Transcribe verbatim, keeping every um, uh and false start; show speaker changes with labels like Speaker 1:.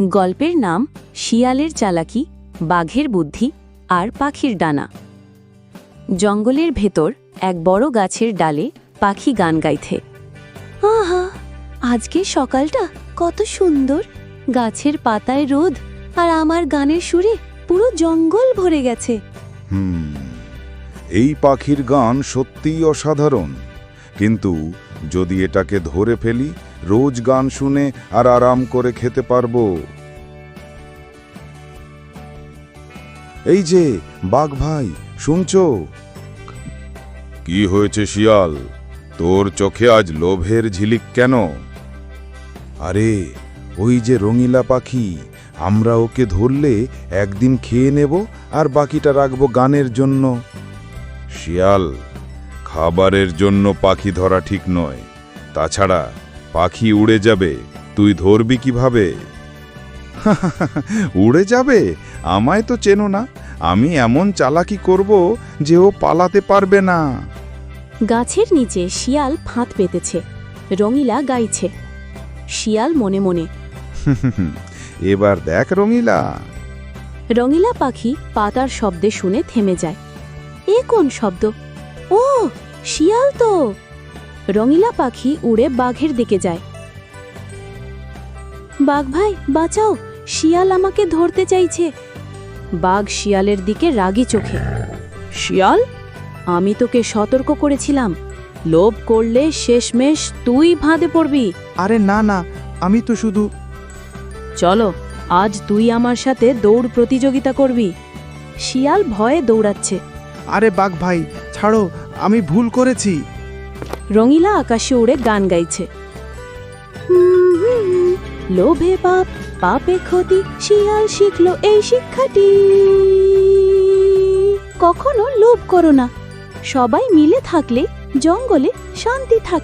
Speaker 1: গল্পের নাম শিয়ালের চালাকি, বাঘের বুদ্ধি আর পাখির ডানা। জঙ্গলের ভেতর এক বড় গাছের ডালে পাখি গান গাইছে। আহা, আজকে সকালটা কত সুন্দর, গাছের পাতায় রোদ আর আমার গানের সুরে পুরো জঙ্গল ভরে গেছে।
Speaker 2: হুম এই পাখির গান সত্যিই অসাধারণ, কিন্তু যদি এটাকে ধরে ফেলি, রোজ গান শুনে আর আরাম করে খেতে পারবো। এই যে বাঘ ভাই, শুনছো? কি হয়েছে শিয়াল, তোর চোখে আজ লোভের ঝিলিক কেন? আরে ওই যে রঙিলা পাখি, আমরা ওকে ধরলে একদিন খেয়ে নেব আর বাকিটা রাখবো গানের জন্য। শিয়াল, খাবারের জন্য পাখি ধরা ঠিক নয়, তাছাড়া পাখি উড়ে যাবে, তুই ধরবি কিভাবে? উড়ে যাবে? আমায় তো চেনো না, আমি এমন চালাকি করব যে ও পালাতে পারবে না।
Speaker 1: গাছের নিচে শিয়াল ফাঁদ পেতেছে, রঙিলা গাইছে। শিয়াল মনে মনে,
Speaker 2: এবার দেখ রঙিলা।
Speaker 1: রঙিলা পাখি পাতার শব্দে শুনে থেমে যায়। এ কোন শব্দ? ও শিয়াল তো! রঙিলা পাখি উড়ে বাঘের দিকে যায়। বাঘ ভাই বাঁচাও, শিয়াল আমাকে ধরতে চাইছে। বাঘ শিয়ালের দিকে রাগী চোখে, শিয়াল, আমি তোকে সতর্ক করেছিলাম, লোভ করলে শেষমেশ তুই ফাঁদে পড়বি।
Speaker 3: আরে না না, আমি তো শুধু...
Speaker 1: চলো, আজ তুই আমার সাথে দৌড় প্রতিযোগিতা করবি। শিয়াল ভয়ে দৌড়াচ্ছে।
Speaker 3: আরে বাঘ ভাই ছাড়ো, আমি ভুল করেছি।
Speaker 1: রঙিলা আকাশে উড়ে গান গাইছে। লোভে পাপ, পাপে ক্ষতি, শিয়াল শিখলো এই শিক্ষাটি। কখনো লোভ করো না, সবাই মিলে থাকলে জঙ্গলে শান্তি থাকে।